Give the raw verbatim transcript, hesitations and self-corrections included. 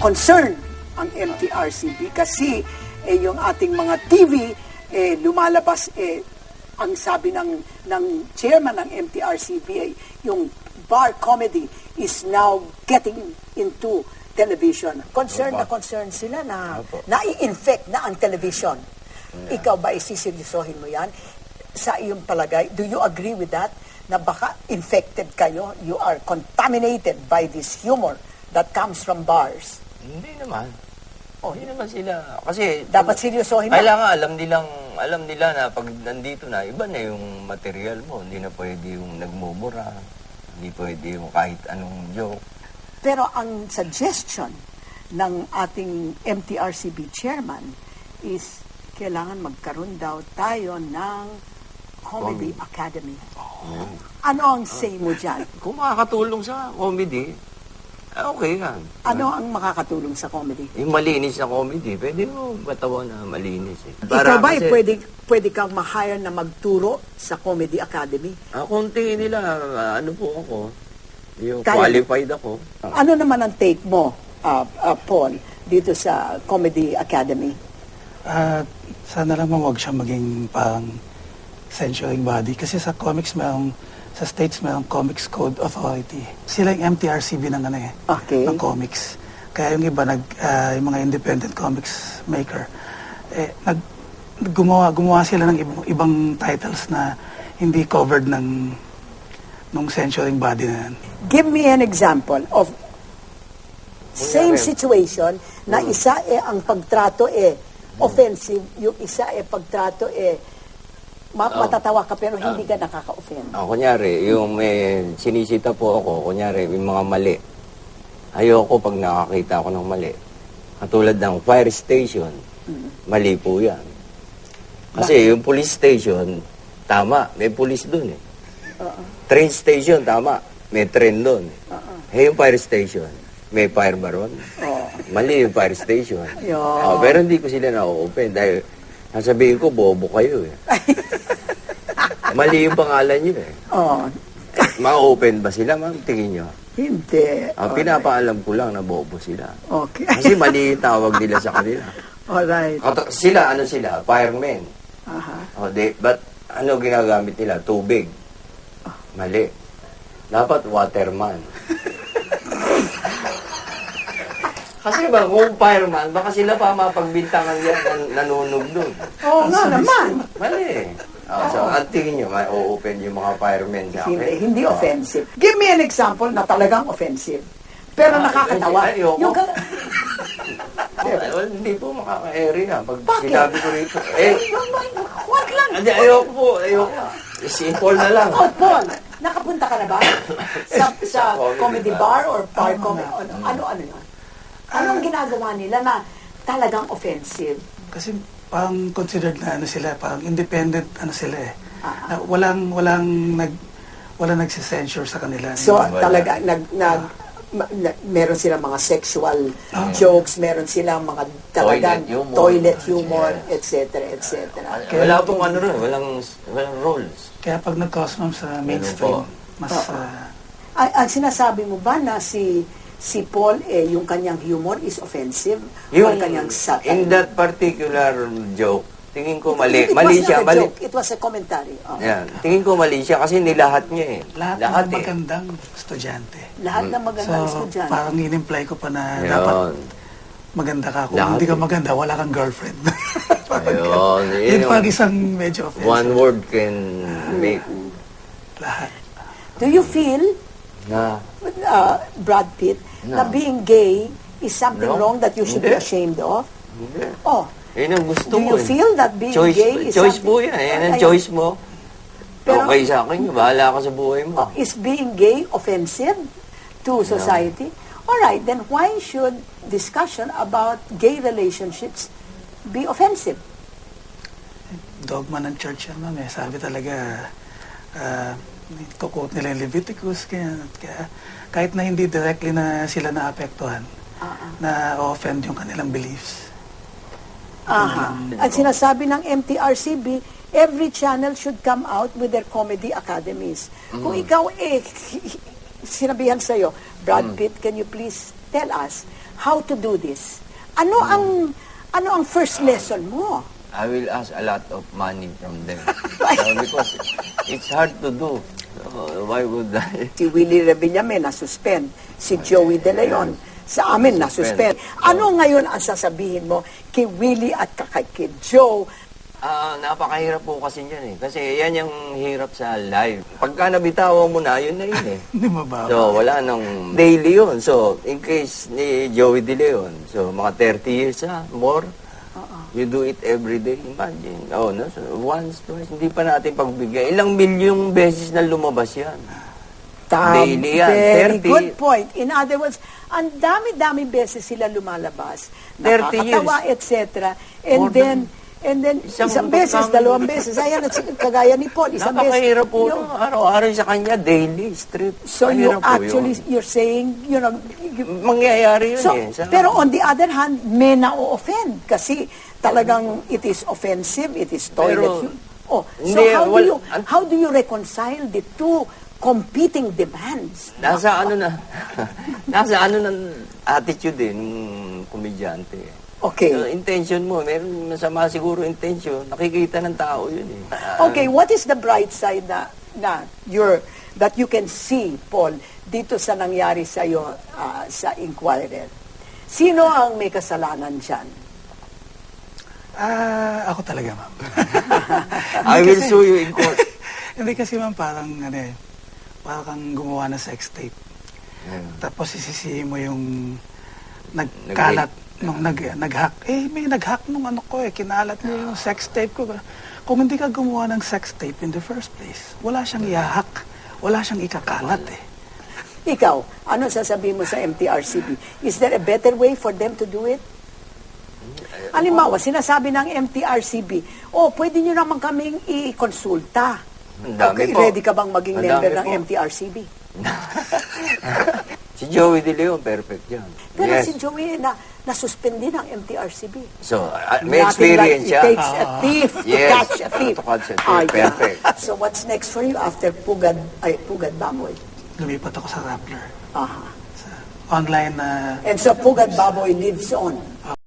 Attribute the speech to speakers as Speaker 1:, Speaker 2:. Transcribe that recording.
Speaker 1: concern ang M T R C B kasi eh, yung ating mga T V eh, lumalabas eh, ang sabi ng, ng chairman ng M T R C B ay yung bar comedy is now getting into television. Concerned na concerned sila na nai-infect na ang television. Ikaw ba isiseryosohin mo yan? Sa iyong palagay, do you agree with that? Na baka infected kayo, you are contaminated by this humor that comes from bars?
Speaker 2: Hindi naman. Oh, hindi naman sila. Kasi
Speaker 1: dapat seryosohin na.
Speaker 2: Kailangan alam nilang, alam nila na pag nandito na, iba na yung material mo. Hindi na pwede yung nagmumura. Hindi pwede yung kahit anong joke.
Speaker 1: Pero ang suggestion ng ating M T R C B chairman is kailangan magkaroon daw tayo ng Comedy oh. Academy. Oh. Ano ang say mo dyan?
Speaker 2: Kung makakatulong sa comedy, okay yan.
Speaker 1: Ano ang makakatulong sa comedy?
Speaker 2: Yung malinis na comedy, pwede mo katawa na malinis. Eh.
Speaker 1: Ikaw ba kasi, pwede, pwede kang ma-hire na magturo sa Comedy Academy?
Speaker 2: Ah, konti nila, uh, ano po ako, yung
Speaker 1: Kaya,
Speaker 2: qualified ako.
Speaker 1: Ano naman ang take mo, uh, uh, Paul, dito sa Comedy Academy?
Speaker 3: Uh, sana lang huwag siya maging pang censoring body. Kasi sa comics, mayroong sa states mayroong Comics Code Authority. Sila yung M T R C B ng ano eh,
Speaker 1: okay.
Speaker 3: ng comics. Kaya yung iba, nag, uh, yung mga independent comics maker, eh, nag, gumawa, gumawa sila ng ibang, ibang titles na hindi covered ng nung censoring body na yan.
Speaker 1: Give me an example of same situation na isa eh ang pagtrato eh offensive, yung isa eh pagtrato eh Ma- oh. matatawa ka pero hindi ka nakaka-offend.
Speaker 2: Oh, kunyari, yung may sinisita po ako, kunyari, yung mga mali. Ayoko pag nakakita ako ng mali. Katulad ng fire station, mm-hmm. mali po yan. Kasi Bakit? Yung police station, tama, may police dun eh. Uh-uh. Train station, tama, may train dun. Uh-uh. Eh, yung fire station, may fire baron. Uh-uh. Mali yung fire station. Uh, pero hindi ko sila na-open dahil sasabihin ko, bobo kayo eh. Mali yung pangalan nyo eh.
Speaker 1: Oo. Oh.
Speaker 2: Ma-open ba sila, ma'am? Tingin nyo?
Speaker 1: Hindi.
Speaker 2: Ah, okay. Pinapaalam ko lang na bobo sila.
Speaker 1: Okay.
Speaker 2: Kasi mali yung tawag nila sa kanila.
Speaker 1: Alright.
Speaker 2: At sila, ano sila? Firemen.
Speaker 1: Aha.
Speaker 2: Oh, they, but ano ginagamit nila? Tubig. Mali. Dapat waterman. Kasi ba, kung fireman, baka sila pa mapagbintangan yan nan nanunog doon.
Speaker 1: Oo nga naman.
Speaker 2: Mali. Oh, so, at tingin nyo, ma-open yung mga firemen sa akin.
Speaker 1: Hindi, hindi oh. offensive. Give me an example na talagang offensive. Pero ah, nakakatawa.
Speaker 2: Ay, ayoko.
Speaker 1: Yung ka...
Speaker 2: oh, well, hindi po makaka-area. Pag
Speaker 1: Bakit?
Speaker 2: sinabi ko rito, eh,
Speaker 1: wag lang.
Speaker 2: Hindi, ayoko po, ayoko. Simple na lang.
Speaker 1: Oh, Paul, nakapunta ka na ba? sa, sa comedy bar or bar comedy? Ano, ano, ano yun? Anong ginagawa nila na talagang offensive?
Speaker 3: Kasi parang considered na ano sila, parang independent ano sila eh.
Speaker 1: Uh-huh.
Speaker 3: Na walang walang nag walang nagse-censure sa kanila.
Speaker 1: So talaga nag nag ma, na, meron silang mga sexual uh-huh. jokes, meron silang mga talagang toilet humor, toilet humor yeah. et cetera et cetera.
Speaker 2: Wala pong ano rin, walang walang roles.
Speaker 3: Kaya pag nag-cause sa mainstream, mas uh-huh. uh,
Speaker 1: ang, ang sinasabi mo ba na si si Paul, eh, yung kanyang humor is offensive?
Speaker 2: Yung,
Speaker 1: or kanyang satire?
Speaker 2: In that particular joke, tingin ko mali.
Speaker 1: It, it
Speaker 2: mali
Speaker 1: was
Speaker 2: siya.
Speaker 1: not a
Speaker 2: Mali.
Speaker 1: joke. It was a commentary. Oh.
Speaker 2: Yeah. Tingin ko mali siya kasi nilahat niya eh.
Speaker 3: Lahat, lahat ng magandang eh. estudyante.
Speaker 1: Lahat ng magandang
Speaker 3: so,
Speaker 1: estudyante.
Speaker 3: parang in-imply ko pa na
Speaker 2: Yun.
Speaker 3: dapat maganda ka. Kung
Speaker 2: lahat
Speaker 3: hindi ka
Speaker 2: eh.
Speaker 3: maganda, wala kang girlfriend.
Speaker 2: Ayun.
Speaker 3: Yun pag isang medyo offensive.
Speaker 2: One word can make.
Speaker 3: Lahat.
Speaker 1: Do you feel,
Speaker 2: Na,
Speaker 1: uh, Brad Pitt,
Speaker 2: no.
Speaker 1: na being gay is something
Speaker 2: no.
Speaker 1: wrong that you should
Speaker 2: Hindi.
Speaker 1: be ashamed of?
Speaker 2: Hindi.
Speaker 1: Oh.
Speaker 2: Yun ang gusto
Speaker 1: Do
Speaker 2: mo
Speaker 1: you
Speaker 2: eh.
Speaker 1: feel that being
Speaker 2: choice,
Speaker 1: gay is
Speaker 2: choice
Speaker 1: something...
Speaker 2: po yan. Yan ang
Speaker 1: Ay,
Speaker 2: choice mo.
Speaker 1: Pero,
Speaker 2: okay sa akin, bahala ka sa buhay mo.
Speaker 1: Oh, is being gay offensive to society? No. Alright, then why should discussion about gay relationships be offensive?
Speaker 3: Dogma ng church yan, ma'am eh. Sabi talaga, uh, quote nila yung Leviticus, kaya, kaya kahit na hindi directly na sila naapektuhan, uh-uh. na offend yung kanilang beliefs.
Speaker 1: Aha. At sinasabi ng M T R C B, every channel should come out with their comedy academies. Mm. Kung ikaw eh, sinabihan sa'yo, Brad mm. Pitt, can you please tell us, how to do this. Ano ang ano ang first lesson mo?
Speaker 2: I will ask a lot of money from them. So, because it's hard to do. So, why would I?
Speaker 1: Si Willie Revillame na-suspend, si Joey De Leon sa amin na-suspend. Ano ngayon ang sasabihin mo kay Willie at kay kay Joe?
Speaker 2: Ah, napakahirap po kasi yan eh. Kasi yan yung hirap sa live. Pagka nabitawan mo na, yun na yun eh.
Speaker 3: Hindi mababaw.
Speaker 2: So, wala nang daily yun. So, in case ni Joey De Leon, so mga thirty years ha, more, you do it every day. Imagine. Oh, no? So, once, twice, hindi pa natin pagbigay. Ilang milyong beses na lumabas yan.
Speaker 1: Tam,
Speaker 2: Daily yan.
Speaker 1: very
Speaker 2: thirty.
Speaker 1: good point. In other words, ang dami-dami beses sila lumalabas,
Speaker 2: thirty
Speaker 1: nakakatawa, et cetera. And
Speaker 2: More
Speaker 1: then,
Speaker 2: than-
Speaker 1: and then,
Speaker 2: Isang
Speaker 1: isang beses,
Speaker 2: pagkam-
Speaker 1: dalawang beses. Ayan, at si- kagaya ni Paul, isang beses.
Speaker 2: Napakahirap po.
Speaker 1: Yung-
Speaker 2: No? Araw-araw sa kanya, daily, strip.
Speaker 1: So you
Speaker 2: Mahirap po
Speaker 1: actually,
Speaker 2: yun.
Speaker 1: you're saying, you know, you-
Speaker 2: Mangyayari yun
Speaker 1: so,
Speaker 2: eh. Sa-
Speaker 1: pero on the other hand, may na-offend kasi talagang it is offensive, it is toilet.
Speaker 2: Pero,
Speaker 1: hu- oh, so
Speaker 2: hindi,
Speaker 1: how do
Speaker 2: wal-
Speaker 1: you
Speaker 2: an-
Speaker 1: how do you reconcile the two competing demands?
Speaker 2: Nasa ano na, nasa ano ng attitude eh, ng komedyante.
Speaker 1: Okay.
Speaker 2: So, intention mo, meron masama siguro intention, nakikita ng tao yun eh. Ah,
Speaker 1: Okay, what is the bright side na, na you're, that you can see, Paul, dito sa nangyari sa iyo sa Inquirer? Sino ang may kasalanan dyan?
Speaker 3: Ah, ako talaga, ma'am.
Speaker 2: I will sue you in court.
Speaker 3: Hindi kasi, ma'am, parang, ano eh, parang kang gumawa ng sex tape.
Speaker 2: Yeah.
Speaker 3: Tapos isisihin mo yung nagkalat, nung nag, nag-hack. Eh, may nag-hack nung ano ko eh, kinalat niya yung sex tape ko. Kung hindi ka gumawa ng sex tape in the first place, wala siyang i-hack. Wala siyang ikakalat eh.
Speaker 1: Ikaw, ano sasabihin mo sa M T R C B? Is there a better way for them to do it? Halimbawa, sinasabi ng M T R C B, oh, pwede nyo naman kaming i-konsulta.
Speaker 2: Ang dami
Speaker 1: Okay,
Speaker 2: po.
Speaker 1: ready ka bang maging
Speaker 2: Ang
Speaker 1: member
Speaker 2: dami
Speaker 1: ng
Speaker 2: po.
Speaker 1: M T R C B?
Speaker 2: Si Joey De Leon, perfect yan.
Speaker 1: Pero
Speaker 2: Yes.
Speaker 1: si Joey na nasuspend din ng M T R C B.
Speaker 2: So, uh, may
Speaker 1: Nothing
Speaker 2: experience
Speaker 1: like
Speaker 2: siya.
Speaker 1: it takes a thief to
Speaker 2: Yes.
Speaker 1: catch a thief.
Speaker 2: To catch a thief.
Speaker 1: Ah, yeah.
Speaker 2: Perfect.
Speaker 1: So what's next for you after Pugad, ay, Pugad Baboy?
Speaker 3: Lumipat ako sa Rappler.
Speaker 1: Aha.
Speaker 3: Sa online na
Speaker 1: And so Pugad Baboy lives on.